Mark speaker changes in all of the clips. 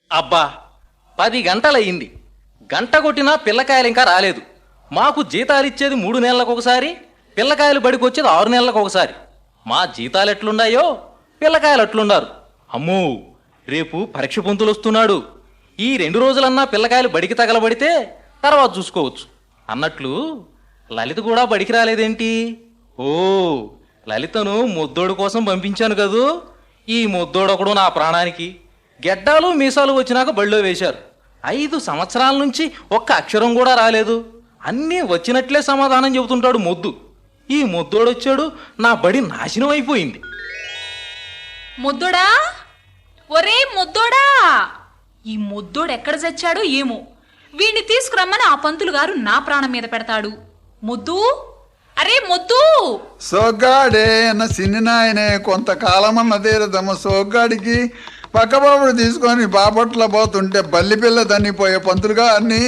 Speaker 1: అబ్బా 10 గంటలయ్యింది. గంట కొట్టినా పిల్లకాయలు ఇంకా రాలేదు. మాకు జీతాలిచ్చేది 3 నెలలకు ఒకసారి, పిల్లకాయలు బడికొచ్చేది 6 నెలలకు ఒకసారి. మా జీతాలు ఎట్లున్నాయో పిల్లకాయలు అట్లున్నారు. అమ్మో, రేపు పరీక్ష పొంతులు వస్తున్నాడు. ఈ 2 రోజులన్నా పిల్లకాయలు బడికి తగలబడితే తర్వాత చూసుకోవచ్చు అన్నట్లు లలిత కూడా బడికి రాలేదేంటి? ఓ, లలితను ముద్దోడు కోసం పంపించాను కదూ. ఈ ముద్దోడొకడు నా ప్రాణానికి. గెడ్డాలు మీసాలు వచ్చినాక బడిలో వేశారు. 5 సంవత్సరాల నుంచి ఒక్క అక్షరం కూడా రాలేదు. అన్నీ వచ్చినట్లే సమాధానం చెబుతుంటాడు మొద్దు. ఈ ముద్దోడొచ్చాడు, నా బడి నాశనం అయిపోయింది.
Speaker 2: ముద్దోడా, ఒరే ముద్దోడా, ఈ ముద్దోడు ఎక్కడ చచ్చాడో ఏమో. వీణ్ణి తీసుకురమ్మని ఆ పంతులు గారు నా ప్రాణం మీద పెడతాడు. ముద్దు, అరే ముద్దు.
Speaker 3: సోగ్గాడే అన్న సిన్ని నాయనే కొంతకాలమన్న తీరదమ్మ. సోగ్గాడికి పక్కబాబుడు తీసుకొని బాపట్ల పోతుంటే బల్లి పిల్ల తన్నిపోయే పంతులుగా అన్ని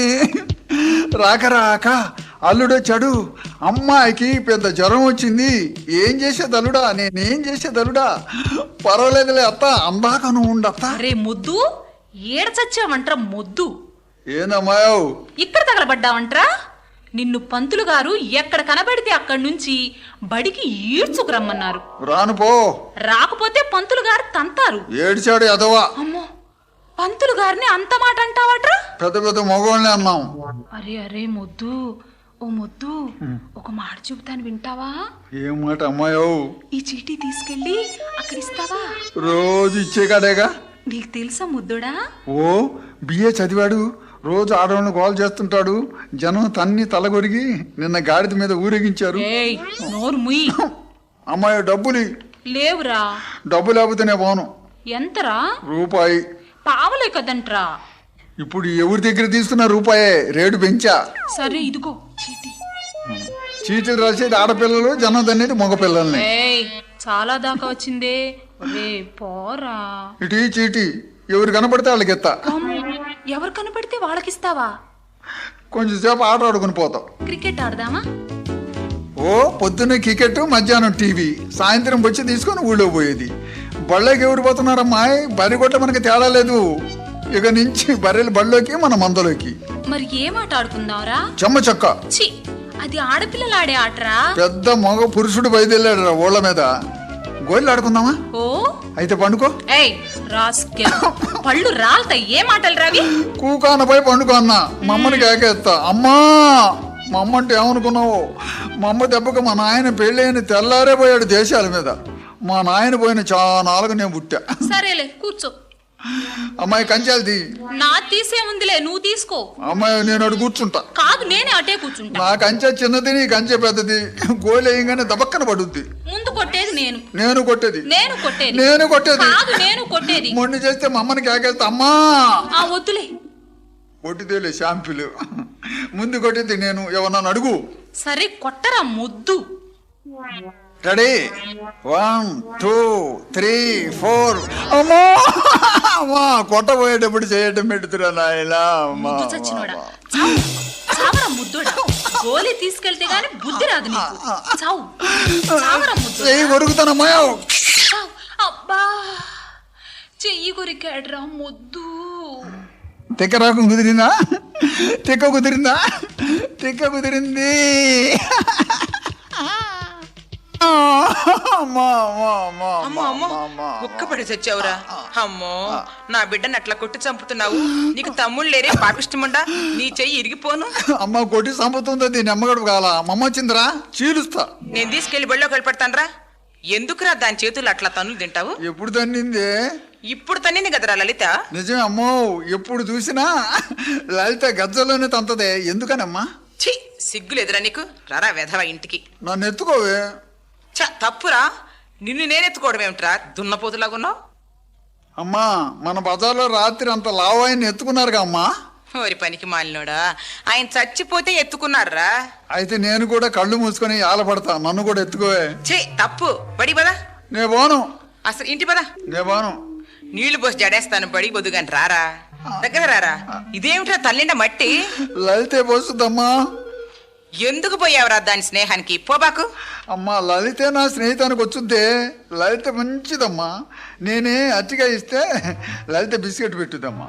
Speaker 3: రాక రాక అల్లుడొచ్చాడు. అమ్మాయికి పెద్ద జ్వరం వచ్చింది. ఏం చేసేది అల్లుడా, నేనేం చేసేది అల్లుడా? పర్వాలేదులే అత్త, అందాక నువ్వు ఉండత్త.
Speaker 2: అరే ముద్దు, ఏడ చచ్చావంట్రా ముద్దు?
Speaker 3: ఏందమ్మాయవు
Speaker 2: ఇక్కడ తగలబడ్డావంట్రా? నిన్ను పంతులు గారు ఎక్కడ కనబడితే అక్కడి నుంచి బడికి ఈడ్చుకురమ్మన్నారు.
Speaker 3: రాను పో.
Speaker 2: రాకపోతే పంతులు గారు తంతారు.
Speaker 3: ఏడిచాడు ఎదవా.
Speaker 2: అమ్మో, పంతులు గారిని అంత మాట అంటావట్రా?
Speaker 3: పెద్ద పెద్ద మగవాళ్ళని అన్నాం.
Speaker 2: అరే అరే ముద్దు, ఓ ముద్దు, ఒక మాట చెబుతాను వింటావా?
Speaker 3: ఏం మాట అమ్మాయవు?
Speaker 2: ఈ చీటీ తీసుకెళ్ళి అక్కడ ఇస్తావా?
Speaker 3: రోజు ఇచ్చే కాడేగా.
Speaker 2: నీకు తెలుసా ముద్దుడా?
Speaker 3: ఓ, బిఏ చదివాడు. రోజు ఆడవాళ్ళని గోల్ చేస్తుంటాడు. జనం తన్ని తలగొరిగి నిన్న గాడిద మీద ఊరేగించారు.
Speaker 2: ఏయ్, నోరు ముయ్.
Speaker 3: అమ్మాయి డబ్బులు
Speaker 2: లేవురా.
Speaker 3: డబ్బు లేకపోతేనే పోను.
Speaker 2: ఎంతరా?
Speaker 3: రూపాయి.
Speaker 2: పావలే కదంట్రా.
Speaker 3: ఇప్పుడు ఎవరి దగ్గర తీసుకున్న రూపాయే, రేటు పెంచా.
Speaker 2: సరే ఇదిగో చీటీ.
Speaker 3: చీటీలు రాసేది ఆడపిల్లలు, జనం తన్నేది మగపిల్లల్ని.
Speaker 2: ఏయ్, చాలా దాకా వచ్చిందే. ఒరే పోరా.
Speaker 3: ఇటు ఈ చీటీ ఎవరు కనపడితే వాళ్ళకి ఎత్తా.
Speaker 2: ఎవరు కనపడితే వాళ్ళకిస్తావా?
Speaker 3: కొంచెం సేపు ఆట ఆడుకుని పోతాం.
Speaker 2: క్రికెట్ ఆడదామా?
Speaker 3: ఓ, పొద్దున్నే క్రికెట్, మధ్యాహ్నం టీవీ, సాయంత్రం వచ్చి తీసుకొని ఊళ్ళో పోయేది. బళ్ళకి ఎవరు పోతున్నారమ్మా? బర్రె కొట్ట మనకి తేడా లేదు. ఇక నుంచి బర్రెలు బళ్ళలోకి, మన మందలోకి.
Speaker 2: మరి ఏం ఆట ఆడుకుందాంరా?
Speaker 3: చెమ్మ చెక్క.
Speaker 2: చి, అది ఆడపిల్లలు ఆడే ఆటరా.
Speaker 3: పెద్ద మగ పురుషుడు బయలుదేరాడు ఊళ్ళ మీద. గోళ్ళు ఆడుకుందామా?
Speaker 2: ఓ,
Speaker 3: అయితే పండుకో.
Speaker 2: ఏయ్ రాస్కెల్, పళ్ళు రాల్తాయి. ఏ మాటలు రావి?
Speaker 3: కూకానపై పండుకో అన్న. మమ్మని కేకేస్తా. అమ్మా, మా అమ్మ అంటే ఏమనుకున్నావు? మా అమ్మ దెబ్బకు మా నాయన పెళ్ళైన తెల్లారే పోయాడు దేశాల మీద. మా నాయన పోయిన చానాలుగు నేను పుట్టా.
Speaker 2: సరేలే కూర్చో.
Speaker 3: అమ్మాయి కంచాలది.
Speaker 2: నా తీసే ఉందిలే, నువ్వు తీసుకో.
Speaker 3: అమ్మాయి నేను అటు కూర్చుంటా.
Speaker 2: కాదు, నేనే అటే కూర్చుంటా.
Speaker 3: నా కంచె చిన్నది, నీ కంచె పెద్దది. గోలు వేయంగానే దబక్కన పడుద్ది.
Speaker 2: ముందు కొట్టేది నేను.
Speaker 3: నేను కొట్టేది.
Speaker 2: నేను కొట్టేది.
Speaker 3: నేను కొట్టేది.
Speaker 2: కాదు, నేను కొట్టేది.
Speaker 3: మొండి చేస్తే మా అమ్మని కేకేస్తా. అమ్మా,
Speaker 2: ఆ వద్దులే.
Speaker 3: కొట్టిదేలే షాంపులు. ముందు కొట్టేది నేను. ఎవరన్నా అడుగు.
Speaker 2: సరే కొట్టరా ముద్దు.
Speaker 3: రెడీ? 1 2 3 4. అమ్మా, అమ్మా, కొట్టబోయేటప్పుడు చేయటం పెడుతురా నాయనా.
Speaker 2: ముద్దు చచ్చినోడా, చావు. చావరా ముద్దుడా. గోలీ తీసుకెళ్తే గాని బుద్ధి రాదు నీకు. చావు. చావరా ముద్దు.
Speaker 3: చెయ్యి కొరుకుతానమ్మా.
Speaker 2: చావు. అబ్బా, చెయ్యి కొరికాడ్రా ముద్దు.
Speaker 3: తిక్క రాకం కుదిరిందా? తిక్క కుదిరిందా? తిక్క కుదిరింది.
Speaker 4: అమ్మో అమ్మో, కుక్కపడి చచ్చావురా. అమ్మో, నా బిడ్డను అట్లా కొట్టి చంపుతున్నావు. నీకు తమ్ముళ్ళు లేరే పాపిష్టముండా? నీ చెయ్యి ఇరిగిపోను.
Speaker 3: అమ్మ కొట్టి చంపుతుంది. దీన్ని అమ్మగడు కాల. అమ్మ వచ్చిందిరా, చీలుస్తా.
Speaker 4: నేను తీసుకెళ్లి బళ్ళోకి వెళ్ళిపెడతానరా. ఎందుకురా దాని చేతులు అట్లా తన్నులు తింటావు?
Speaker 3: ఎప్పుడు తన్నింది?
Speaker 4: ఇప్పుడు తన్నింది కదరా లలిత.
Speaker 3: నిజమే అమ్మో, ఎప్పుడు చూసినా లలిత గజ్జలోనే తంతదే. ఎందుకనమ్మా?
Speaker 4: ఛీ, సిగ్గులేదురా నీకు? రారా వెధవ ఇంటికి.
Speaker 3: నన్ను ఎత్తుకోవే.
Speaker 4: తప్పురా. నిన్ను నేనెత్తుకోవడం ఏమిట్రా, దున్నపోతులాగున్నావు?
Speaker 3: అమ్మా, మన బజార్లో రాత్రి అంత లావాయిని ఎత్తుకున్నారుగా అమ్మా.
Speaker 4: ఓరి పనికి మాలినోడా, ఆయన చచ్చిపోతే ఎత్తుకున్నారా?
Speaker 3: అయితే నేను కూడా కళ్ళు మూసుకొని ఆలపడతా. నన్ను కూడా ఎత్తుకోవే.
Speaker 4: ఛీ, తప్పు. బడి పదా.
Speaker 3: నే పోను.
Speaker 4: అసలు ఇంటి పదా.
Speaker 3: నే పోను.
Speaker 4: నీళ్లు పోసి జడేస్తాను. బడి బొద్దుగాని రారా, దగ్గర రారా. ఇదేమిట్రా తల్లిండ మట్టి?
Speaker 3: లలితే పోస్తుందమ్మా.
Speaker 4: ఎందుకు పోయావురా దాని స్నేహానికి పోబాకు.
Speaker 3: అమ్మా లలితే నా స్నేహితానికి వచ్చుద్దే. లలిత మంచిదమ్మా. నేనే అట్టిగా ఇస్తే లలిత బిస్కెట్ పెట్టుదమ్మా.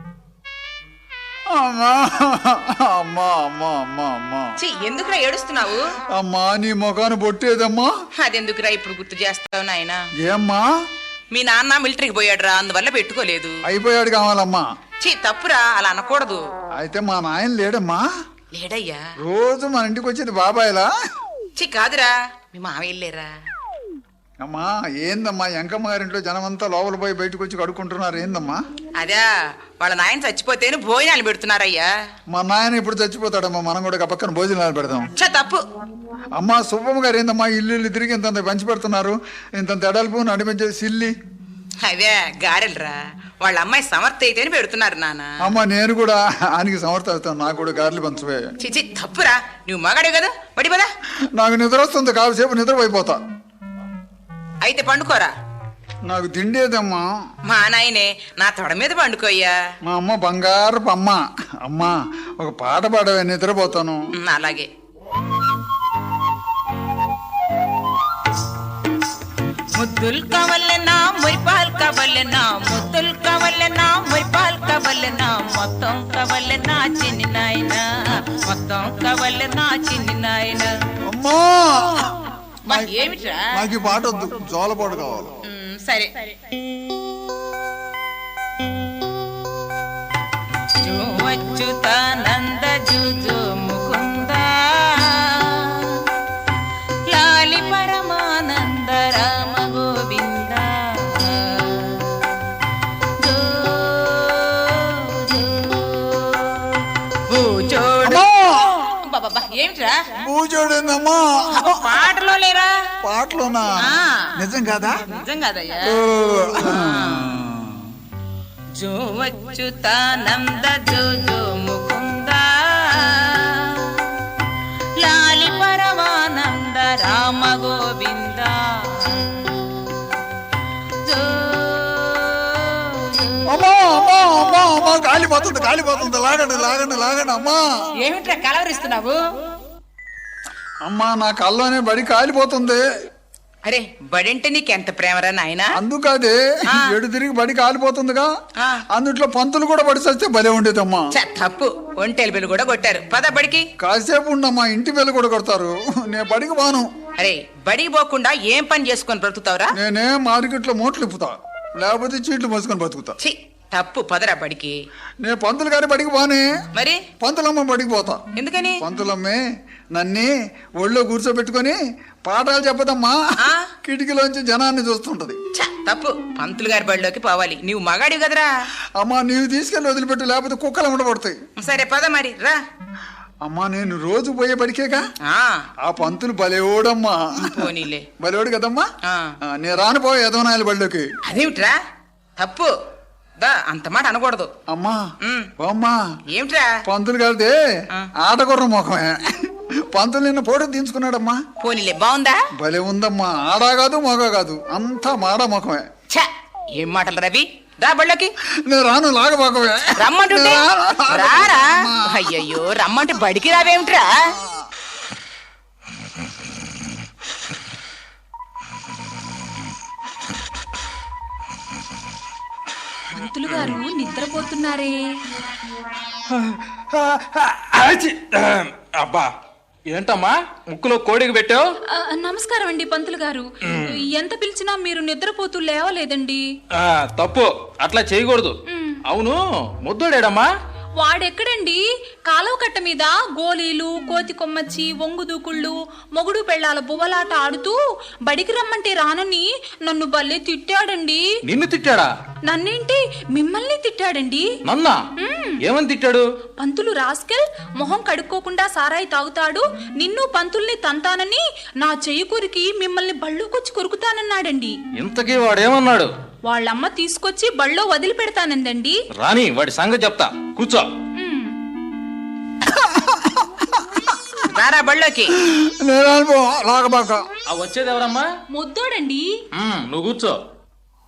Speaker 3: అమ్మా అమ్మా అమ్మా అమ్మా అమ్మా
Speaker 4: ఎందుకురా ఏడుస్తున్నావు?
Speaker 3: అమ్మా నీ ముఖాన్ని బొట్టేదమ్మా.
Speaker 4: అదెందుకురా ఇప్పుడు గుర్తు చేస్తావు నాయనా?
Speaker 3: ఏమ్మా?
Speaker 4: మీ నాన్న మిలిటరీకి పోయాడురా, అందువల్ల పెట్టుకోలేదు.
Speaker 3: అయిపోయాడు కావాలమ్మా.
Speaker 4: తప్పురా, అలా అనకూడదు.
Speaker 3: అయితే మా నాయన లేడమ్మా?
Speaker 4: లేడయ్యా.
Speaker 3: రోజు మన ఇంటికి వచ్చేది బాబాయ్లా?
Speaker 4: కాదురా, మీ మావయ్య లేరా?
Speaker 3: అమ్మా ఏందమ్మా ఎంకమ్మ గారింట్లో జనమంతా లోపల పోయి బయటకు వచ్చి కడుక్కుంటున్నారు ఏందమ్మా?
Speaker 4: అదే వాళ్ళ నాయన చచ్చిపోతేనే భోజనాలు పెడుతున్నారయ్యా.
Speaker 3: మా నాయన ఇప్పుడు చచ్చిపోతాడమ్మా, మనం కూడా పక్కన భోజనాలు పెడదాం.
Speaker 4: తప్పు.
Speaker 3: అమ్మా సుబ్బమ్మ గారు ఏందమ్మా ఇల్లు తిరిగి ఇంత పంచి పెడుతున్నారు, ఇంత ఎడల్పు నడిపించే సిల్లి?
Speaker 4: అవే గారెలరా, వాళ్ళ అమ్మాయి సమర్థ అయితేనే పెడుతున్నారు నాన్న.
Speaker 3: అమ్మా నేను కూడా ఆయనకి సమర్థిస్తాను, నాకు కూడా గారెలు పంచవే.
Speaker 4: తప్పురా, నువ్వు మగాడే కదా, బడి పదా.
Speaker 3: నాకు నిద్ర వస్తుంది, కాసేపు నిద్రపోయిపోతా.
Speaker 4: అయితే పండుకోరా.
Speaker 3: నాకు తిండేదమ్మా.
Speaker 4: మా నాయనే నా తొడ మీద పండుకోయ్యా.
Speaker 3: మా అమ్మ బంగారపు అమ్మ. అమ్మా ఒక పాట పాడవే, నిద్రపోతాను.
Speaker 4: అలాగే. ముద్దులు కావాలన్నా మురిపాలు కావాలన్నా, ముద్దులు కావాలన్నా మురిపాలు కావాలన్నా, మొత్తం కావాలన్నా చిన్ని నాయన, మొత్తం కావాలన్నా చిన్ని నాయన.
Speaker 3: అమ్మా
Speaker 4: ఏమిట్రా?
Speaker 3: నాకు ఈ పాట వద్దు, జోలపాటు కావాలి.
Speaker 4: సరే. అచ్యుతానంద జుజు ముకుంద లాలి పరమానంద రామ గోవింద. ఏమిట్రా?
Speaker 3: పూజోడేందమ్మా?
Speaker 4: పాటలో లేరా?
Speaker 3: పాటలోనా? నిజం కాదా?
Speaker 4: నిజం కాదయ్యా. జో అచ్యుతానంద జో జో ముకుంద లాలి పరమానంద రామ గోవింద.
Speaker 3: అమ్మా అమ్మా అమ్మా అమ్మా కాలిపోతుంది, కాలిపోతుంది, లాగండి లాగండి లాగండి. అమ్మా
Speaker 4: ఏమిట్రా కలవరిస్తున్నావు?
Speaker 3: అమ్మా నా కల్లోనే బడి కాలిపోతుంది.
Speaker 4: అరే బడింటే నీకెంత ప్రేమరా నాయనా?
Speaker 3: అందుకదే ఎడు తిరిగి బడి కాలిపోతుందిగా, అందుట్లో పంతులు కూడా బడి చస్తే భలే ఉండేదమ్మా.
Speaker 4: తప్పు, ఒంటెలు బిల్లు కూడా కొట్టారు. పద బడికి.
Speaker 3: కాసేపు ఉండమ్మా, ఇంటి బిల్లు కూడా కొడతారు. నేను బడికి బాను.
Speaker 4: అరే బడికి పోకుండా ఏం పని చేసుకొని బ్రతుకుతావురా?
Speaker 3: నేనే మార్కెట్లో మూటలు ఇప్పుతా, లేకపోతే చీట్లు మోసుకొని బతుకుతా.
Speaker 4: తప్పు, పదరా బడికి.
Speaker 3: నేను పంతులు గారి బడికి బానే,
Speaker 4: మరి
Speaker 3: పంతులమ్మ బడికి పోతా.
Speaker 4: ఎందుకని?
Speaker 3: పంతులమ్మే నన్ను ఒళ్ళో కూర్చోబెట్టుకొని పాఠాలు చెప్పదమ్మా, కిటికీలోంచి జనాన్ని చూస్తుంటది.
Speaker 4: తప్పు, పంతులు గారి బడిలోకి పోవాలి. నీవు మగాడివి కదరా.
Speaker 3: అమ్మా నీవు తీసుకెళ్ళి వదిలిపెట్టు, లేకపోతే కుక్కలు ఉండబడతాయి.
Speaker 4: సరే పద మరి రా.
Speaker 3: అమ్మా నేను రోజు పోయే బడికేగా. ఆ పంతులు బలేోడమ్మా.
Speaker 4: పోనీలే,
Speaker 3: బలేోడు కదమ్మా. నేను రానుపోయే యదవనాయల బడిలోకి.
Speaker 4: అదేమిట్రా? తప్పు, దా అంత మాట అనకూడదు.
Speaker 3: అమ్మా అమ్మా
Speaker 4: ఏమిట్రా?
Speaker 3: పంతులు గారిదే ఆటగుర్ర ముఖమే. పంతులు నిన్న ఫోటో తీయించుకున్నాడమ్మా.
Speaker 4: పోనీలే, బాగుందా?
Speaker 3: భలే ఉందమ్మా. ఆడా కాదు మొగ కాదు, అంతా మాడా ముఖమే.
Speaker 4: ఏం మాటలు రవి, రా బళ్ళకి.
Speaker 3: నేను రాను, లాగబాకమే.
Speaker 4: రమ్మంటుంటే రారా. అయ్యయ్యో రమ్మంటే బడికి రావేమిట్రా?
Speaker 2: పంతులు గారు నిద్రపోతున్నారే.
Speaker 1: అబ్బా ఏంటమ్మా ముక్కులో కోడికి పెట్టావు?
Speaker 2: నమస్కారం అండి పంతులు గారు. ఎంత పిలిచినా మీరు నిద్రపోతూ లేవలేదండి.
Speaker 1: తప్పు, అట్లా చేయకూడదు. అవును ముద్దోడేడమ్మా?
Speaker 2: వాడెక్కడండి? కాలువ కట్ట మీద గోలీలు, కోతి కొమ్మచ్చి, ఒంగు దూకుళ్ళు, మొగుడు పెళ్ళాల బువ్వలాట ఆడుతూ బడికి రమ్మంటే రానని నన్ను భలే తిట్టాడండి.
Speaker 1: నిన్ను తిట్టాడా?
Speaker 2: నన్నేంటి, మిమ్మల్ని తిట్టాడండి.
Speaker 1: నన్నా? ఏమని తిట్టాడు?
Speaker 2: పంతులు రాస్కెల్, మొహం కడుక్కోకుండా సారాయి తాగుతాడు, నిన్ను పంతుల్ని తంతానని నా చెయ్యి కొరికి మిమ్మల్ని బళ్ళోకొచ్చి కొరుకుతానన్నాడండి.
Speaker 1: ఇంతకీ వాడేమన్నాడు?
Speaker 2: వాళ్ళమ్మ తీసుకొచ్చి బళ్ళో వదిలి పెడతానందండి.
Speaker 1: రాని వాడి సంగతి చెప్తా, కూర్చో.
Speaker 4: రారా బళ్ళోకి.
Speaker 1: వచ్చేది ఎవరమ్మా?
Speaker 2: ముద్దోడండి.
Speaker 1: నువ్వు కూర్చో.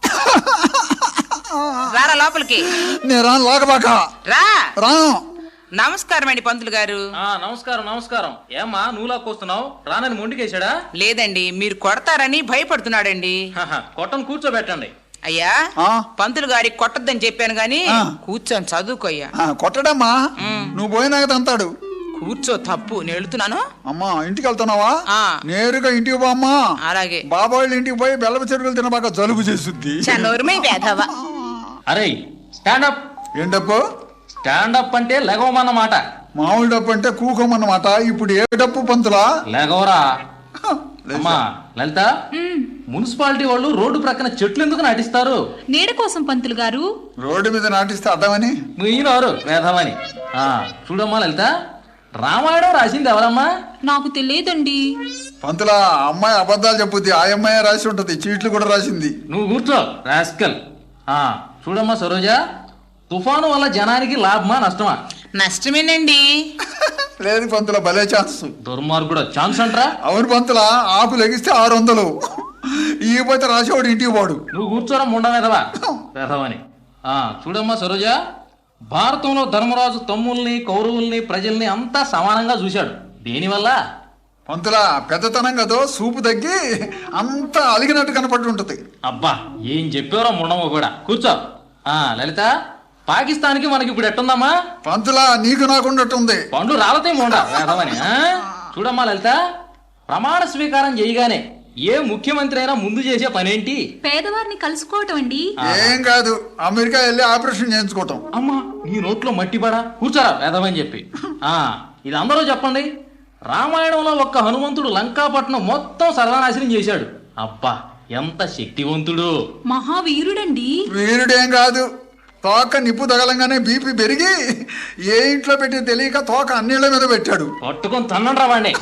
Speaker 4: రారా లోపలికి.
Speaker 3: నేను రాను, లాగబాక.
Speaker 4: రా.
Speaker 3: రాను.
Speaker 4: నమస్కారం అండి పంతులు గారు.
Speaker 1: నమస్కారం నమస్కారం. ఏమ్మా నువ్వులాక్కొస్తున్నావు? రానని మొండికేశాడా?
Speaker 4: లేదండి, మీరు కొడతారని భయపడుతున్నాడండి.
Speaker 1: కొట్టను కూర్చోబెట్టండి.
Speaker 4: అయ్యా, పంతులు గారికి కొట్టద్దని చెప్పాను గాని కూర్చొని చదువుకోయ్యా.
Speaker 3: కొట్టడమ్మా, నువ్వు పోయినాక తంతాడు.
Speaker 4: కూర్చో, తప్పు, నేను వెళుతున్నాను.
Speaker 3: అమ్మా ఇంటికి వెళ్తున్నావా?
Speaker 4: ఆ.
Speaker 3: నేరుగా ఇంటికి పో అమ్మా.
Speaker 4: అలాగే.
Speaker 3: బాబాయిల ఇంటికి పోయి బెల్లపు చెరుకులు తినబాక జలుబు చేస్తుంది.
Speaker 4: చనోరుమై వేధవా.
Speaker 1: అరే స్టాండప్.
Speaker 3: ఏంటప్పు?
Speaker 1: స్టాండప్ అంటే లెగవమన్నమాట.
Speaker 3: మామూలు డప్పు అంటే కూకోమన్నమాట. ఇప్పుడు ఏ డప్పు పంతులా?
Speaker 1: లెగవరా. అమ్మా లలిత, మున్సిపాలిటీ వాళ్ళు రోడ్డు ప్రక్కన చెట్లు ఎందుకు నాటిస్తారు?
Speaker 2: నీడ కోసం పంతులు గారు.
Speaker 3: రోడ్డు మీద నాటిస్తే అర్థమని
Speaker 1: మీనోరు వేధమని. చూడమ్మా లలిత, రామాయణం రాసింది ఎవరమ్మా?
Speaker 2: నాకు తెలియదండి.
Speaker 3: పంతులా, అమ్మాయి అబద్ధాలు చెప్పుద్ది. ఆ అమ్మాయి రాసి ఉంటది, చీట్లు కూడా రాసింది.
Speaker 1: నువ్వు కూర్చో రాస్కల్. చూడమ్మా సరోజ, తుఫాను వల్ల జనానికి లాభమా నష్టమా?
Speaker 4: నష్టమేనండి.
Speaker 3: లేదు పంతుల, భలే ఛాన్స్.
Speaker 1: దుర్మార్గుడు ఛాన్స్ అంటరా?
Speaker 3: అవును పంతులా, ఆకు లెగిస్తే 600, ఇకపోతే రాసేవాడు ఇంటికి పోడు.
Speaker 1: నువ్వు కూర్చోరా ముండ వేధవా వేధవని. చూడమ్మా సరోజ, భారతంలో ధర్మరాజు తమ్ముల్ని కౌరవుల్ని ప్రజల్ని అంతా సమానంగా చూశాడు. దేనివల్ల?
Speaker 3: పంతులా, పెద్దతనం కదో సూపు తగ్గి అంతా అలిగినట్టు కనపడి ఉంటది.
Speaker 1: అబ్బా ఏం చెప్పారో ముండమ్మ కూడా. కూర్చో. లలిత, పాకిస్తాన్కి మనకి ఇప్పుడు ఎట్టుందమ్మా?
Speaker 3: పంతులా, నీకు నాకున్నట్టుంది.
Speaker 1: పండ్లు రాలతాయి ముండ వేధవని. చూడమ్మా లలిత, ప్రమాణ స్వీకారం చేయగానే ఏ ముఖ్యమంత్రి అయినా ముందు చేసే పనేంటి?
Speaker 2: పేదవారిని కలుసుకోవటం అండి.
Speaker 3: ఏం కాదు, అమెరికా వెళ్ళి ఆపరేషన్ చేయించుకోవటం.
Speaker 1: అమ్మా నీ నోట్లో మట్టి పడా. కూర్చోరా వేదమని చెప్పి. ఇది అందరూ చెప్పండి. రామాయణంలో ఒక్క హనుమంతుడు లంకాపట్నం మొత్తం సర్వనాశనం చేశాడు. అబ్బా ఎంత శక్తివంతుడు.
Speaker 2: మహావీరుడండి.
Speaker 3: వీరుడేం కాదు, తోక నిప్పు తగలంగానే బీపీ పెరిగి ఏ ఇంట్లో పెట్టి తెలియక తోక అన్నిళ్ళ మీద పెట్టాడు.
Speaker 1: పట్టుకొని తన్నండ్రా వాడిని.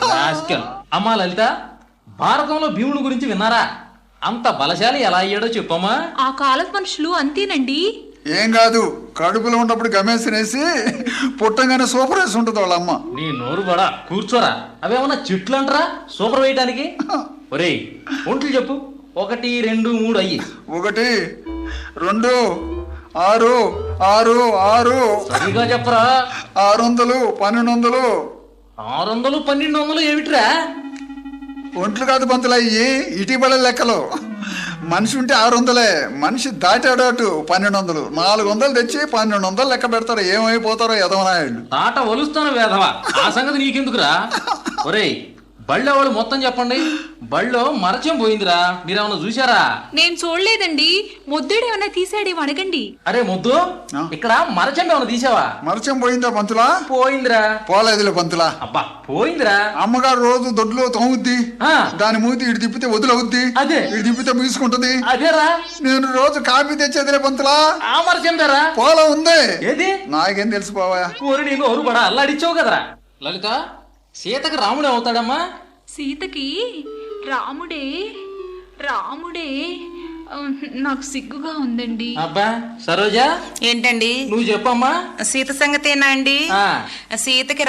Speaker 1: అమ్మా లలిత, భారతంలో భీముడు గురించి విన్నారా? అంత బలశాలి ఎలా అయ్యాడో చెప్పమ్మా.
Speaker 2: ఆ కాలపు మనుషులు అంతేనండి.
Speaker 3: ఏం కాదు, కడుపులో ఉన్నప్పుడు గమేసినేసి పుట్టంగానే సూపర్ వేసి ఉంటుంది వాళ్ళ అమ్మ.
Speaker 1: నీ నోరు బడా. కూర్చోరా. అవేమన్నా చెట్లు అంటరా సూపర్ వేయటానికి? ఒరేయ్ ఒంట్లు చెప్పు. 1 2 3 అయ్యి.
Speaker 3: 1 2 6 6 6.
Speaker 1: సరిగా చెప్పరా.
Speaker 3: 600 1200.
Speaker 1: 600 1200 ఏమిట్రా?
Speaker 3: ఒంట్లు కాదు పంతులు, అయ్యి ఇటీవల లెక్కలు. మనిషి ఉంటే 600, మనిషి దాటాడు 1200. 400 తెచ్చి 1200 లెక్క పెడతారు. ఏమైపోతారో ఎదవనాయుళ్ళు.
Speaker 1: తాట ఒలుస్తాను వేధవా. ఆ సంగతి నీకెందుకురా? ఒరేయ్ బళ్ళో వాళ్ళు మొత్తం చెప్పండి. బళ్ళో మరచం పోయిందిరా, మీరేమన్నా చూసారా?
Speaker 2: నేను చూడలేదండి. ముద్దుడు ఏమన్నా తీసాడేమో అడగండి.
Speaker 1: అరే ముద్దు, ఇక్కడ మరచం ఏమన్నా తీసావా?
Speaker 3: మరచం పోయిందా పంతులా?
Speaker 1: పోయిందిరా.
Speaker 3: పోలేదులే పంతులా.
Speaker 1: అబ్బా పోయిందిరా.
Speaker 3: అమ్మగారు రోజు దొడ్లో తోముద్ది, దాని మూతి ఇటు తిప్పితే వదిలవుద్ది,
Speaker 1: అదే
Speaker 3: ఇటు తిప్పితే ముసుకుంటుంది.
Speaker 1: అదేరా.
Speaker 3: నేను రోజు కాఫీ తెచ్చేదిలే పంతులా.
Speaker 1: ఆ మరచం దారా
Speaker 3: పోలా ఉంది.
Speaker 1: ఏది?
Speaker 3: నాకేం తెలిసిపోవా.
Speaker 1: ఊరి నేను ఊరు పడా అల్లాడిచ్చావు కదరా. లలిత, సీతకు రాముడే అవుతాడమ్మా?
Speaker 2: సీతకి రాముడే. నాకు సిగ్గుగా ఉందండి.
Speaker 1: అబ్బా సరోజా,
Speaker 4: ఏంటండి?
Speaker 1: నువ్వు చెప్పమ్మా.
Speaker 4: సీత సంగతేనా అండి? సీతకి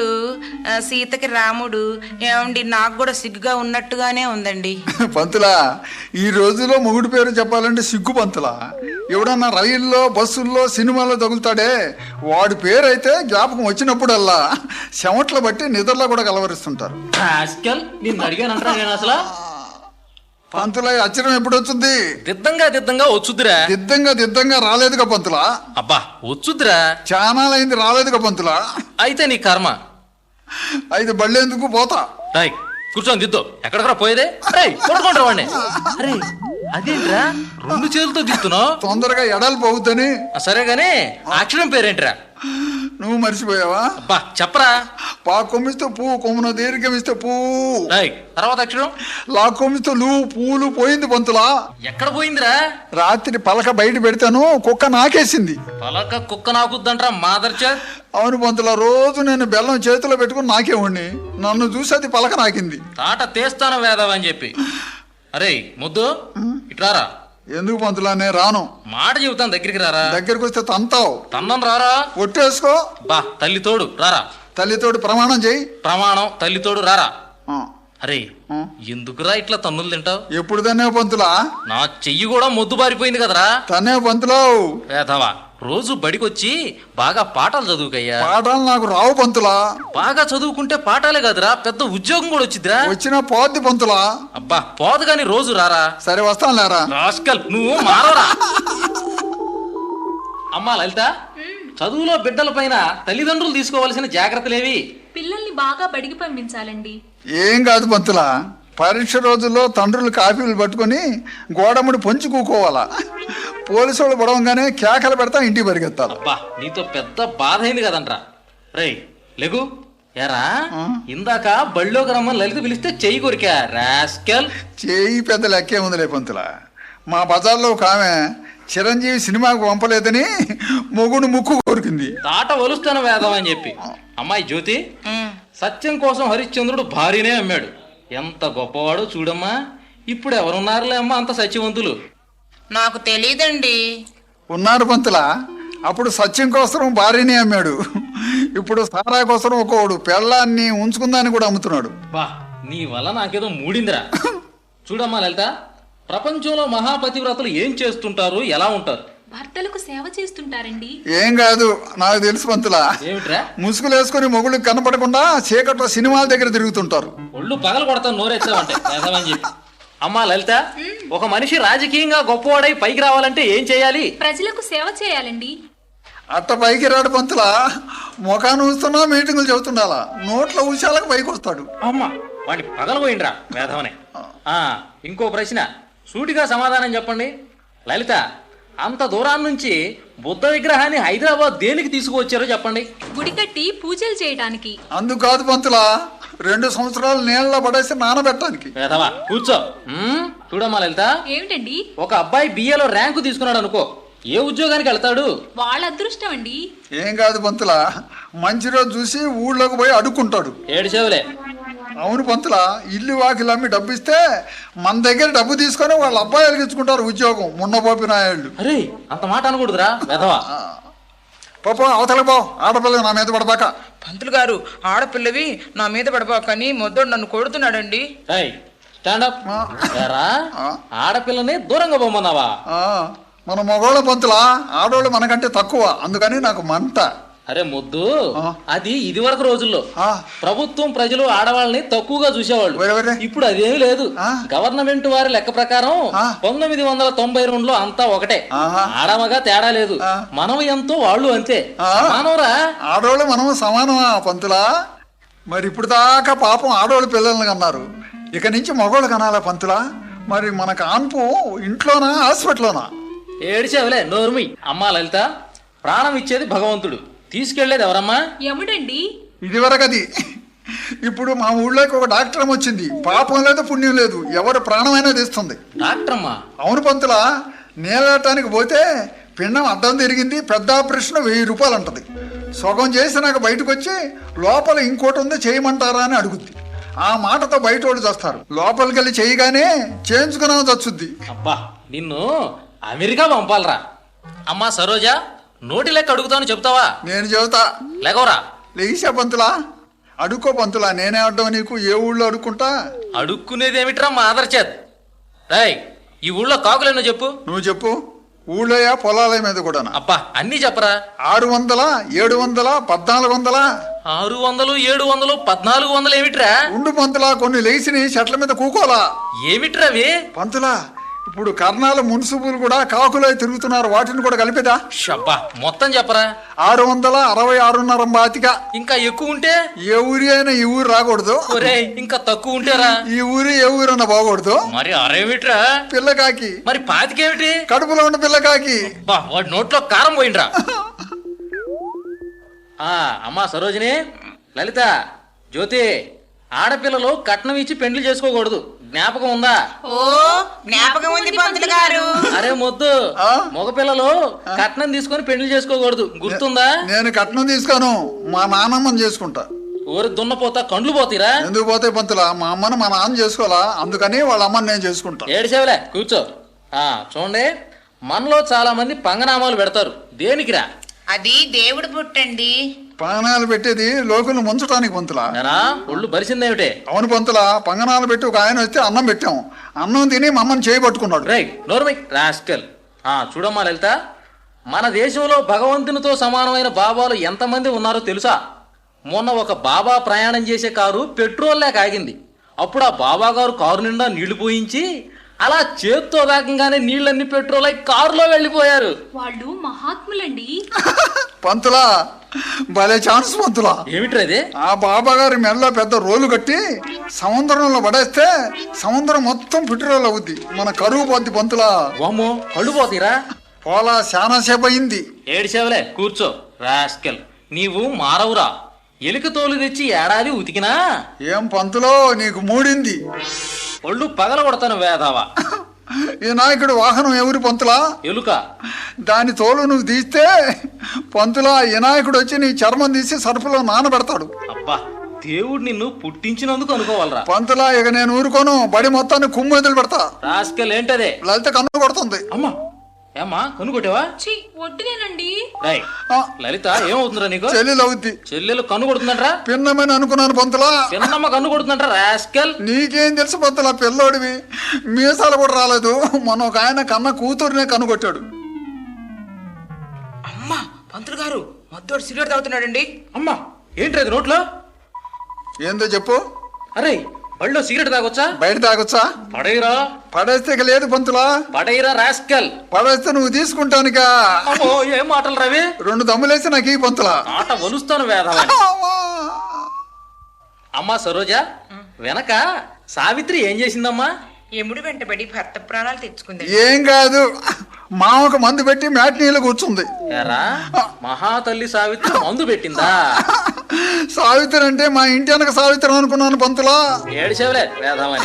Speaker 4: రాముడు ఏమండి? నాకు కూడా సిగ్గుగా ఉన్నట్టుగానే ఉందండి.
Speaker 3: పంతులా, ఈ రోజులో మొగుడు పేరు చెప్పాలంటే సిగ్గు పంతులా. ఎవడన్నా రైల్లో బస్సుల్లో సినిమాల్లో తగులుతాడే, వాడి పేరు అయితే జ్ఞాపకం వచ్చినప్పుడల్లా చెమట్లు బట్టి నిద్రలో కూడా కలవరిస్తుంటారు.
Speaker 1: నిన్ను అడిగానంటా నేను అసలు.
Speaker 3: పంతులా, అచ్చరం ఎప్పుడు వచ్చింది?
Speaker 1: దిద్దంగా వచ్చుద్దిరా.
Speaker 3: దిద్దంగా రాలేదుగా పంతులా.
Speaker 1: అబ్బా వచ్చుద్దిరా.
Speaker 3: చానాలైంది రాలేదుగా పంతులా.
Speaker 1: అయితే నీ కర్మ.
Speaker 3: అయితే బళ్ళేందుకు పోతా.
Speaker 1: కూర్చొని దిద్దు. ఎక్కడికరా పోయేదే? కొడుకుంటా వాడిని. అరే అదేంట్రా 2 చేతులతో దిస్తున్నావు?
Speaker 3: తొందరగా ఎడాలి పోవద్దని.
Speaker 1: సరే గానీ అక్షరం పేరేంట్రా?
Speaker 3: నువ్వు మర్చిపోయావా?
Speaker 1: అబ్బా చెప్పరా.
Speaker 3: పా కొమ్మిస్తే పువ్వు, కొమ్మున దీర్ఘమిస్తే పువ్వు.
Speaker 1: తర్వాత అక్షరం
Speaker 3: లా కొమ్మిస్తే పూలు పోయింది పంతులా.
Speaker 1: ఎక్కడ పోయిందిరా?
Speaker 3: రాత్రి పలక బయట పెడతాను, కుక్క నాకేసింది.
Speaker 1: పలక కుక్క నాకుద్దంట్రా మాదర్చా.
Speaker 3: అవును పంతులా, రోజు నేను బెల్లం చేతిలో పెట్టుకుని నాకేవాడిని. నన్ను చూసి అది పలక నాకింది.
Speaker 1: తాట తీస్తాను వేదవని చెప్పి. అరే ముద్దు ఇట్లారా.
Speaker 3: ఎందుకు పంతులా? నేను రాను.
Speaker 1: మాట చెబుతాను, దగ్గరికి రారా.
Speaker 3: దగ్గరికి వస్తే తంతావు.
Speaker 1: తన్నం రారా.
Speaker 3: ఒట్టేసుకో.
Speaker 1: బా తల్లి తోడు రారా.
Speaker 3: తల్లితోడు ప్రమాణం చేయి.
Speaker 1: ప్రమాణం తల్లి తోడు రారా. అరే ఎందుకురా ఇట్లా తన్నులు తింటావు?
Speaker 3: ఎప్పుడు తనేవు పంతులా?
Speaker 1: నా చెయ్యి కూడా మొద్దు బారిపోయింది కదరా.
Speaker 3: తనేవు పంతులో.
Speaker 1: వేధవా, రోజు బడికొచ్చి బాగా పాఠాలు చదువుకయ్యా.
Speaker 3: పాఠాలు నాకు రావు పంతులా.
Speaker 1: బాగా చదువుకుంటే పాఠాలే కదరా, పెద్ద ఉద్యోగం కూడా వచ్చిద్దిరా.
Speaker 3: వచ్చినా పోద్ది పంతులా.
Speaker 1: అబ్బా పోదు గాని రోజు రారా.
Speaker 3: సరే వస్తాను లేరా.
Speaker 1: రాస్కల్, నువ్వు మారవరా. అమ్మా లలిత, చదువులో బిడ్డల పైన తల్లిదండ్రులు తీసుకోవాల్సిన జాగ్రత్తలేవి?
Speaker 2: పిల్లల్ని బాగా బడికి పంపించాలండి.
Speaker 3: ఏం కాదు పంతులా, పరీక్ష రోజుల్లో తండ్రులు కాపీలు పట్టుకొని గోడముడి పొంచి కూకోవాలా. పోలీసు వాళ్ళు పడవంగానే కేకలు పెడతా ఇంటికి పరిగెత్తాలి.
Speaker 1: అబ్బా నీతో పెద్ద బాధ అయింది కదంట్రా. రేయ్ లెగు. ఎరా ఇందాక బళ్ళోకి రమ్మని లలిత పిలిస్తే చెయ్యి కొరికా రాస్కల్.
Speaker 3: చేయి పెద్ద లెక్కే ఉందిలే పంతులా. మా బజార్లో ఒక ఆమె చిరంజీవి సినిమాకు పంపలేదని మొగుడు ముక్కు కోరికింది.
Speaker 1: తాట వలుస్తాను వేదం అని చెప్పి. అమ్మాయి జ్యోతి, సత్యం కోసం హరిశ్చంద్రుడు భార్యనే అమ్మాడు. ఎంత గొప్పవాడో చూడమ్మా. ఇప్పుడు ఎవరున్నారులే అమ్మా అంత సత్యవంతులు?
Speaker 4: నాకు తెలీదండి.
Speaker 3: ఉన్నారు పంతులా. అప్పుడు సత్యం కోసం భార్యనే అమ్మాడు. ఇప్పుడు సారా కోసం ఒకడు పెళ్ళాన్ని ఉంచుకుందాన్ని కూడా అమ్ముతున్నాడు.
Speaker 1: బా నీ వల్ల నాకేదో మూడిందిరా. చూడమ్మా లలిత, ప్రపంచంలో మహాపతివ్రతలు ఏం చేస్తుంటారు, ఎలా ఉంటారు?
Speaker 2: భర్తలకు సేవ చేస్తుంటారండి.
Speaker 3: ఏం కాదు, నాకు తెలుసు పంతులా.
Speaker 1: ఏమిట్రా?
Speaker 3: ముసుగులు వేసుకుని మొగుళ్ళకి కనపడకుండా చీకట్లో సినిమాల దగ్గర తిరుగుతుంటారు.
Speaker 1: ఒళ్ళు పగలు కొడతాను నోరెచ్చావంటే వేదమని చెప్పి. అమ్మా లలిత, ఒక మనిషి రాజకీయంగా గొప్పవాడై పైకి రావాలంటే ఏం చేయాలి?
Speaker 2: ప్రజలకు సేవ చేయాలండి.
Speaker 3: అట్ట పైకి రాడు పంతులా. ముఖాన్ని ఊస్తున్నా మీటింగులు చెబుతుండాలా. నోట్ల ఊశాలకు పైకి వస్తాడు.
Speaker 1: అమ్మా వాడిని పగలపోయిండ్రా వేధవనే. ఇంకో ప్రశ్న, సూటిగా సమాధానం చెప్పండి. లలిత, అంత దూరాన్ని నుంచి బుద్ధ విగ్రహాన్ని హైదరాబాద్ దేనికి తీసుకువచ్చారో చెప్పండి.
Speaker 2: గుడి కట్టి పూజలు చేయడానికి.
Speaker 3: అందుకు కాదు పంతులా, 2 సంవత్సరాలు నీళ్ళ పడేసి నానబెట్టడానికి.
Speaker 1: వేధవా కూర్చో. చూడమ్మా లలిత,
Speaker 2: ఏమిటండి?
Speaker 1: ఒక అబ్బాయి బిఏలో ర్యాంకు తీసుకున్నాడు అనుకో, ఏ ఉద్యోగానికి వెళ్తాడు?
Speaker 2: వాళ్ళ అదృష్టం అండి.
Speaker 3: ఏం కాదు పంతులా, మంచి రోజు చూసి ఊళ్ళోకి పోయి అడుక్కుంటాడు.
Speaker 1: ఏడిసేవులే.
Speaker 3: అవును పంతులా, ఇల్లు వాకిలు అమ్మి డబ్బు ఇస్తే మన దగ్గర డబ్బు తీసుకొని వాళ్ళ అబ్బాయిలకు ఇచ్చుకుంటారు ఉద్యోగం. మున్నపోపి నాయుళ్ళు.
Speaker 1: అరే అంత మాట అనకూడదురా వేధవా.
Speaker 3: పాప అవతల పో, ఆడపిల్ల నా మీద పడబాక.
Speaker 4: పంతులు గారు, ఆడపిల్లవి నా మీద పడబాకని మొద్దోడు నన్ను కొడుతున్నాడండి.
Speaker 1: స్టాండప్. ఆడపిల్లని దూరంగా పోమన్నావా?
Speaker 3: మన మగోళ్ళ పంతులా, ఆడోళ్ళు మనకంటే తక్కువ, అందుకని నాకు మంట.
Speaker 1: అరే మొద్దు, అది ఇది వరకు రోజుల్లో ప్రభుత్వం ప్రజలు ఆడవాళ్ళని తక్కువగా చూసేవాళ్ళు. ఇప్పుడు అదేమీ లేదు. గవర్నమెంట్ వారి లెక్క ప్రకారం 1992లో అంతా ఒకటే, ఆడమగా తేడా లేదు. మనం ఎంతో వాళ్ళు అంతే. మానవరా,
Speaker 3: ఆడోళ్ళు మనం సమానమా పంతులా? మరి ఇప్పుడు దాకా పాపం ఆడోళ్ళు పిల్లల్ని కన్నారు, ఇక నుంచి మగోళ్ళు కనాలా పంతులా? మరి మన కాన్పు ఇంట్లోనా హాస్పిటల్లోనా?
Speaker 1: ఏడిచేవలే నోర్మి. అమ్మా లలిత, ప్రాణం ఇచ్చేది భగవంతుడు, తీసుకెళ్లేది ఎవరమ్మా?
Speaker 2: యముడండి.
Speaker 3: ఇదివరకు అది. ఇప్పుడు మా ఊళ్ళోకి ఒక డాక్టర్ వచ్చింది. పాపం లేదు పుణ్యం లేదు, ఎవరు ప్రాణమైనా తీస్తుంది.
Speaker 1: డాక్టర్ అమ్మా?
Speaker 3: అవును పంతులా. నీళ్ళటానికి పోతే పిండం అడ్డం తిరిగింది, పెద్ద ఆపరేషన్ 1000 రూపాయలు అంటది. సగం చేసి నాకు బయటకు వచ్చి లోపల ఇంకోటి ఉంది చేయమంటారా అని అడుగుద్ది. ఆ మాటతో బయట వాళ్ళు చేస్తారు. లోపలికి వెళ్ళి చేయగానే చేయించుకున్నా చచ్చుద్ది.
Speaker 1: అబ్బా నిన్ను అమెరికా పంపాలరా. అమ్మా సరోజా, నోటి లెక్క అడుగుతాను చెప్తావా?
Speaker 3: నేను చెబుతా.
Speaker 1: లేకవరా.
Speaker 3: లేచా పంతులా. అడుక్కో పంతులా, నేనే అడ్డం నీకు. ఏ ఊళ్ళో అడుక్కుంటా?
Speaker 1: అడుక్కునేది ఏమిట్రా మా ఆదర్చేత్. రాయ్, ఈ ఊళ్ళో కాకులేనో చెప్పు.
Speaker 3: నువ్వు చెప్పు. ఊళ్ళోయా పొలాల మీద కూడా?
Speaker 1: అబ్బా అన్ని చెప్పరా.
Speaker 3: 600, 700, 1400.
Speaker 1: 600, 700, 1400 ఏమిట్రా?
Speaker 3: ఉండు పంతులా, కొన్ని లేచిని చెట్ల మీద కూకోలా.
Speaker 1: ఏమిట్రా అవి?
Speaker 3: పంతులా, ఇప్పుడు కర్ణాల మున్సిపులు కూడా కాకులై తిరుగుతున్నారు, వాటిని కూడా కలిపేదా?
Speaker 1: షబ్బా మొత్తం చెప్పరా.
Speaker 3: 666.5 బాతిక.
Speaker 1: ఇంకా ఎక్కువ ఉంటే?
Speaker 3: ఏ ఊరి అయినా ఈ ఊరు రాకూడదు.
Speaker 1: ఇంకా తక్కువ ఉంటేరా?
Speaker 3: ఈ ఊరి ఏ ఊరన్నా బాగూడదు.
Speaker 1: మరి అరేమిట్రా?
Speaker 3: పిల్లకాకి.
Speaker 1: మరి పాతికేమిటి?
Speaker 3: కడుపులో ఉన్న పిల్లకాకి.
Speaker 1: వాడి నోట్లో కారం పోయిండ్రా. అమ్మా సరోజిని, లలిత, జ్యోతి, ఆడపిల్లలు కట్నం ఇచ్చి పెండ్లి చేసుకోకూడదు, జ్ఞాపకం ఉందా?
Speaker 4: ఓ జ్ఞాపకం ఉంది పంతులు గారు.
Speaker 1: అరే మొద్దు, మగపిల్లలు కట్నం తీసుకొని పెండ్లి చేసుకోకూడదు, గుర్తుందా?
Speaker 3: నేను కట్నం తీసుకోను, మా నాన్నమ్మని చేసుకుంటా.
Speaker 1: ఊరి దున్నపోతా కండ్లు పోతీరా?
Speaker 3: ఎందుకు పోతాయి పంతులా? మా అమ్మను మా నాన్న చేసుకోవాలా, అందుకని వాళ్ళ అమ్మని నేను చేసుకుంటా.
Speaker 1: ఏడిసేవలే కూర్చో. చూడండి, మనలో చాలా మంది పంగనామాలు పెడతారు. దేనికిరా?
Speaker 4: అది దేవుడు పుట్టండి.
Speaker 3: పంగనాలు పెట్టేది లోకులు ముంచడానికి పంతులా.
Speaker 1: ఎరా ఒళ్ళు బరిసిందేమిటే?
Speaker 3: అవును పంతులా, పంగనాలు పెట్టి ఒక ఆయన వస్తే అన్నం పెట్టాం. అన్నం తిని మమ్మల్ని చేయబట్టుకున్నాడు.
Speaker 1: రైట్ నోర్మై రాస్కల్. చూడమ్మా లలిత, మన దేశంలో భగవంతునితో సమానమైన బాబాలు ఎంతమంది ఉన్నారో తెలుసా? మొన్న ఒక బాబా ప్రయాణం చేసే కారు పెట్రోల్ లేక ఆగింది. అప్పుడు ఆ బాబా గారు కారు నిండా నీళ్లు పోయించి అలా చేత్తో వేగంగానే నీళ్ళన్ని పెట్రోల్ అయి కారులో వెళ్ళిపోయారు.
Speaker 2: వాళ్ళు మహాత్ములండి.
Speaker 3: పంతులా భలే ఛాన్స్ పంతులా.
Speaker 1: ఏమిట్రది?
Speaker 3: ఆ బాబా గారి మెడలో పెద్ద రోలు కట్టి సముద్రంలో పడేస్తే సముద్రం మొత్తం పెట్రోల్ అవుద్ది, మన కరువు పోద్ది పంతులా.
Speaker 1: వామ్మో, కళ్ళు పోతీరా?
Speaker 3: పోలా చాలా సేపు అయింది.
Speaker 1: ఏడిసేవలే, కూర్చో రాస్కల్. నీవు మారవురా. ఎలుక తోలు తెచ్చి ఏడాది ఉతికినా
Speaker 3: ఏం పంతులో నీకు మూడింది?
Speaker 1: ఒళ్ళు పగల కొడతాను వేదావా.
Speaker 3: ఈ నాయకుడు వాహనం ఎవరి పంతులా?
Speaker 1: ఎలుక.
Speaker 3: దాని తోలు నువ్వు తీస్తే పంతులా ఈ నాయకుడు వచ్చి నీ చర్మం తీసి సరుపులో నానబెడతాడు.
Speaker 1: అబ్బా, దేవుడు నిన్ను పుట్టించినందుకు అనుకోవాలరా.
Speaker 3: పంతులా ఇక నేను ఊరుకోను, బడి మొత్తాన్ని కుమ్ము వదిలి పెడతా.
Speaker 1: రాస్కల్ ఏంటదే?
Speaker 3: లలిత కన్ను కొడుతుంది.
Speaker 1: అమ్మా, ఏమ్మా కనుగొట్టావా?
Speaker 2: ఛీ, వడ్డునేనండి.
Speaker 1: రైట్.
Speaker 3: ఆ,
Speaker 1: లలిత ఏమవుతుందిరా నీకు?
Speaker 3: చెల్లెలు అవుద్ది.
Speaker 1: చెల్లెలు కన్ను కొడుతుందంట్రా?
Speaker 3: పిన్నమని అనుకున్నాను పంతులా.
Speaker 1: చిన్నమ్మ కన్ను కొడుతుందంట్రా రాస్కల్.
Speaker 3: నీకేం తెలుసు పంతులా, పిల్లోడివి, మీసాలు కూడా రాలేదు. మొన్న ఒక ఆయన కన్న కూతురునే కనుగొట్టాడు.
Speaker 4: అమ్మా పంతులు గారు మద్దోడు సిగరెట్ తాగుతున్నాడండి.
Speaker 1: అమ్మా, ఏంట్రది నోట్లో?
Speaker 3: ఏందో చెప్పు.
Speaker 1: అరే, బళ్ళో సిగరెట్ తాగొచ్చా?
Speaker 3: బయట తాగొచ్చా?
Speaker 1: పడేరా.
Speaker 3: పడేస్తే ఇక లేదు పంతులా.
Speaker 1: పడేరా రాస్కల్.
Speaker 3: పడేస్తే నువ్వు తీసుకుంటానుగా.
Speaker 1: అమ్మో, ఏం మాటలు రవి?
Speaker 3: 2 దమ్ములేసి నాకు ఈ పంతులా.
Speaker 1: ఆట వలుస్తాను వేదవా. అమ్మా సరోజ, వెనక సావిత్రి ఏం చేసిందమ్మా?
Speaker 4: ఎముడు వెంటబడి భర్త ప్రాణాలు తెచ్చుకుంది.
Speaker 3: ఏం కాదు, మామకు మందు పెట్టి మ్యాట్నీలో కూర్చుంది.
Speaker 1: ఎరా, మహాతల్లి సావిత్రి మందు పెట్టిందా?
Speaker 3: సావిత్రి అంటే మా ఇంటి వెనక సావిత్రి అనుకున్నాను పంతులా.
Speaker 1: ఏడిసేవలే వేదమని.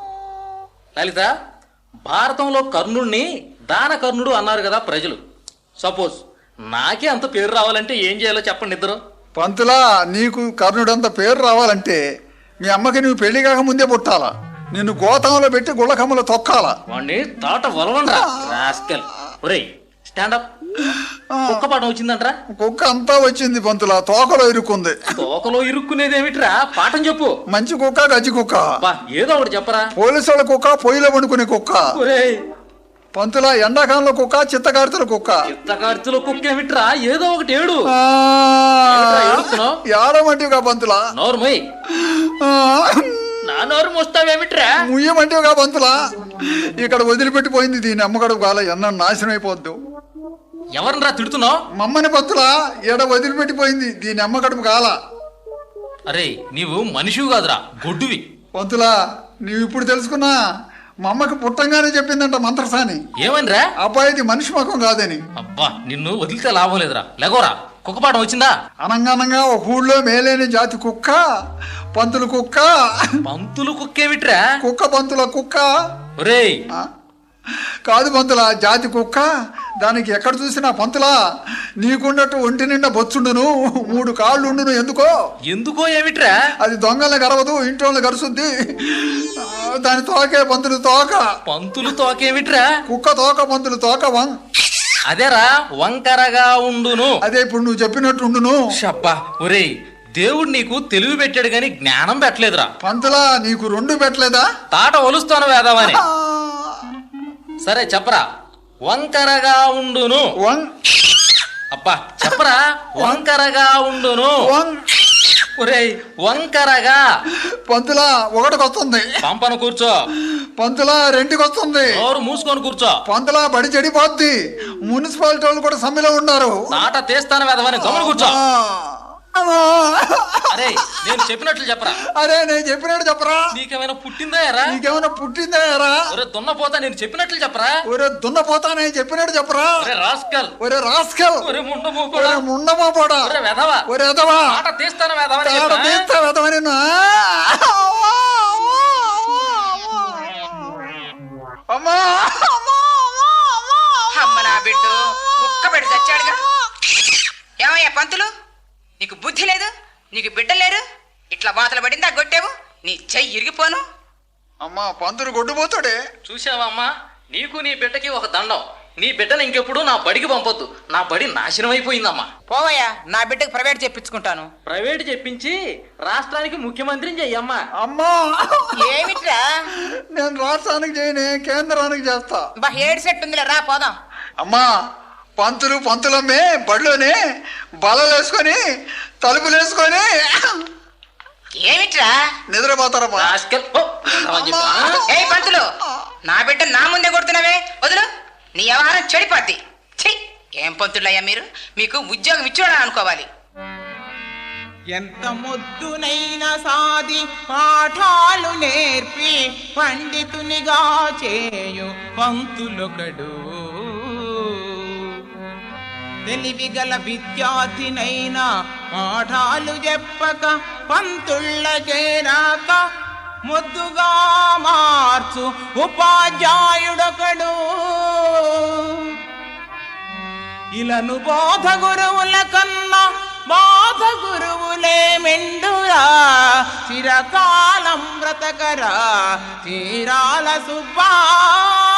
Speaker 1: లలిత, భారతంలో కర్ణుడిని దానకర్ణుడు అన్నారు కదా ప్రజలు. సపోజ్ నాకే అంత పేరు రావాలంటే ఏం చేయాలో చెప్పండి ఇద్దరు.
Speaker 3: పంతులా, నీకు కర్ణుడంత పేరు రావాలంటే మీ అమ్మకి నువ్వు పెళ్లి కాక ముందే పుట్టాలా. నిన్ను గోతంలో పెట్టి గుళ్ళకమ్మలో తొక్కాలా.
Speaker 1: వాణ్ణి తాట వలవండ్రా రాస్కల్. ఒరేయ్ స్టాండప్. కుక్క పాఠం వచ్చిందంట్రా?
Speaker 3: కుక్క అంతా వచ్చింది పంతులా, తోకలో ఇరుక్కుంది.
Speaker 1: తోకలో ఇరుక్కునేదేమిట్రా? పాఠం చెప్పు.
Speaker 3: మంచి కుక్క గజ్జి కుక్క.
Speaker 1: బా, ఏదో ఒకటి చెప్పరా.
Speaker 3: పోలీసు వాళ్ళ కుక్క, పొయ్యిలో వండుకునే కుక్క.
Speaker 1: ఒరేయ్,
Speaker 3: పంతులా ఎండాకాలంలో కుక్క, చిత్తకార్తెల కుక్క.
Speaker 1: చిత్తకార్తెలో కుక్క ఏమిట్రా? ఏదో ఒకటి ఏడు.
Speaker 3: ఆ,
Speaker 1: ఏమిట్రా ఏడుస్తున్నావ్?
Speaker 3: ఏడమంటివిగా పంతులా.
Speaker 1: నోర్మయ్.
Speaker 3: ఆ,
Speaker 1: నా నోరు మోస్తావేమిట్రా?
Speaker 3: ముయ్యమంటివిగా పంతులా. ఇక్కడ వదిలిపెట్టిపోయింది దీని అమ్మగడు కాల, ఎన్న నాశనం అయిపోద్దు.
Speaker 1: ఎవరినరా తిడుతున్నావు?
Speaker 3: మమ్మని పంతులా, ఎడ వదిలిపెట్టిపోయింది దీని అమ్మగడుపు కాల.
Speaker 1: అరే, నీవు మనిషివి కాదురా, గొడ్డువి.
Speaker 3: పంతులా, నీవు ఇప్పుడు తెలుసుకున్నా, మా అమ్మకి పుట్టంగానే చెప్పిందంట మంత్రసాని.
Speaker 1: ఏమనిరా?
Speaker 3: అబ్బాయిది మనిషి ముఖం కాదని.
Speaker 1: అబ్బా, నిన్ను వదిలితే లాభం లేదురా. లెగోరా, కుక్కపాఠం వచ్చిందా?
Speaker 3: అనంగానంగా ఒక ఊళ్ళో మేలేని జాతి కుక్క, పంతులు కుక్క.
Speaker 1: పంతులు కుక్కేమిట్రా?
Speaker 3: కుక్క పంతుల కుక్క.
Speaker 1: ఒరేయ్,
Speaker 3: ఆ? కాదు పంతుల, జాతి కుక్క. దానికి ఎక్కడ చూసినా పంతులా, నీకున్నట్టు ఒంటి నిండా బొచ్చుండును, 3 కాళ్ళు ఉండును.
Speaker 1: ఎందుకో ఏమిట్రా?
Speaker 3: అది దొంగల్ని గరవదు, ఇంట్లో గరుసుద్ది. దాని తోకే పంతులు తోక.
Speaker 1: పంతులు తోకేమిట్రా?
Speaker 3: కుక్క తోక, పంతులు తోక.
Speaker 1: అదేరా, వంకరగా ఉండును.
Speaker 3: అదే ఇప్పుడు నువ్వు చెప్పినట్టు ఉండును.
Speaker 1: షబ్బా, ఒరేయ్, దేవుడు నీకు తెలివి పెట్టాడు గాని జ్ఞానం పెట్టలేదురా.
Speaker 3: పంతులా, నీకు 2 పెట్టలేదా?
Speaker 1: తాట ఒలుస్తాను వేదామని. సరే చెప్పరా. వంకరగా ఉండును. అబ్బా చెప్పరా. వంకరగా ఉండును. ఒరేయ్, వంకరగా.
Speaker 3: పంతులా, 1కి వస్తుంది.
Speaker 1: పంపను కూర్చో.
Speaker 3: పంతులా, 2కి వస్తుంది.
Speaker 1: నోరు మూసుకొని కూర్చో.
Speaker 3: పంతులా, బడి చెడిపోద్ది. మున్సిపాలిటీ వాళ్ళు కూడా సమ్మెలో ఉన్నారు.
Speaker 1: తాట తీస్తాను వేదమని గమని కూర్చో. అరే, నేను చెప్పినట్లు చెప్పరా.
Speaker 3: అరే, నేను చెప్పినట్టు చెప్పరా.
Speaker 1: నీకేమైనా పుట్టిందా ఎరా?
Speaker 3: నీకేమైనా పుట్టిందా ఎరా?
Speaker 1: ఒరే దున్నపోతా, నేను చెప్పినట్లు చెప్పరా.
Speaker 3: ఒరే దున్నపోతా, నేను చెప్పినట్టు చెప్పరా.
Speaker 1: ఒరే రాస్కల్.
Speaker 3: ఒరే రాస్కల్.
Speaker 1: ఒరే ముండమోపోడా.
Speaker 3: ఒరే ముండమోపోడా.
Speaker 1: ఒరే వెధవా.
Speaker 3: ఒరే ఎదవా.
Speaker 1: తాట తీస్తాను వేదమని
Speaker 3: తాట
Speaker 1: చెప్పరా?
Speaker 3: తీస్తా వెదవని. అమ్మా,
Speaker 4: అమ్మ నా బిడ్డ ముక్క పెడి చచ్చాడుగా. ఏమయ్యా పంతులు, నీకు బుద్ధి లేదు, నీకు బిడ్డలు లేరు, ఇట్లా వాతలు పడిందా కొట్టావు, నీ చెయ్యి ఇరిగిపోను.
Speaker 3: అమ్మా పంతులు గొడ్డుపోతాడే.
Speaker 1: చూసావా అమ్మా, నీకు నీ బిడ్డకి ఒక దండం. నీ బిడ్డను ఇంకెప్పుడు నా బడికి పంపొద్దు. నా బడి నాశనం అయిపోయిందమ్మా.
Speaker 4: పోవయ్యా, నా బిడ్డకు ప్రైవేట్ చెప్పించుకుంటాను.
Speaker 1: ప్రైవేట్ చెప్పించి రాష్ట్రానికి ముఖ్యమంత్రిని చెయ్యమ్మా.
Speaker 3: అమ్మా
Speaker 4: ఏమిట్రా?
Speaker 3: నేను రాష్ట్రానికి చేయనే, కేంద్రానికి చేస్తా.
Speaker 4: బా ఏడు సెట్ ఉందిలే, రా పోదాం.
Speaker 3: అమ్మా పంతులమ్మే బడిలోనే బలలేసుకొని తలుపులు వేసుకొని
Speaker 4: ఏమిట్రా?
Speaker 3: నిద్రపోతారమ్మా.
Speaker 1: రాస్కెల్, పో.
Speaker 4: ఏ పంతులు, నా బిడ్డ నా ముందే కొడుతున్నావే, వదులు. నీ వ్యవహారం చెడిపోద్ది. ఛీ, ఏం పంతులయ్యా మీరు? మీకు ఉద్యోగం ఇచ్చోడా అనుకోవాలి.
Speaker 5: ఎంత మొద్దునైనా సాది పాఠాలు నేర్పి పండితునిగా చేయు పంతులొకడు. తెలివిగల విద్యార్థినైనా పాఠాలు చెప్పక పంతుళ్ళకేరాక మొద్దుగా మార్చు ఉపాధ్యాయుడొకడు. ఇలను బోధ గురువుల కన్నా బాధ గురువులే మెండురా. చిరకాలం బ్రతకరా తీరాల సుబ్బా.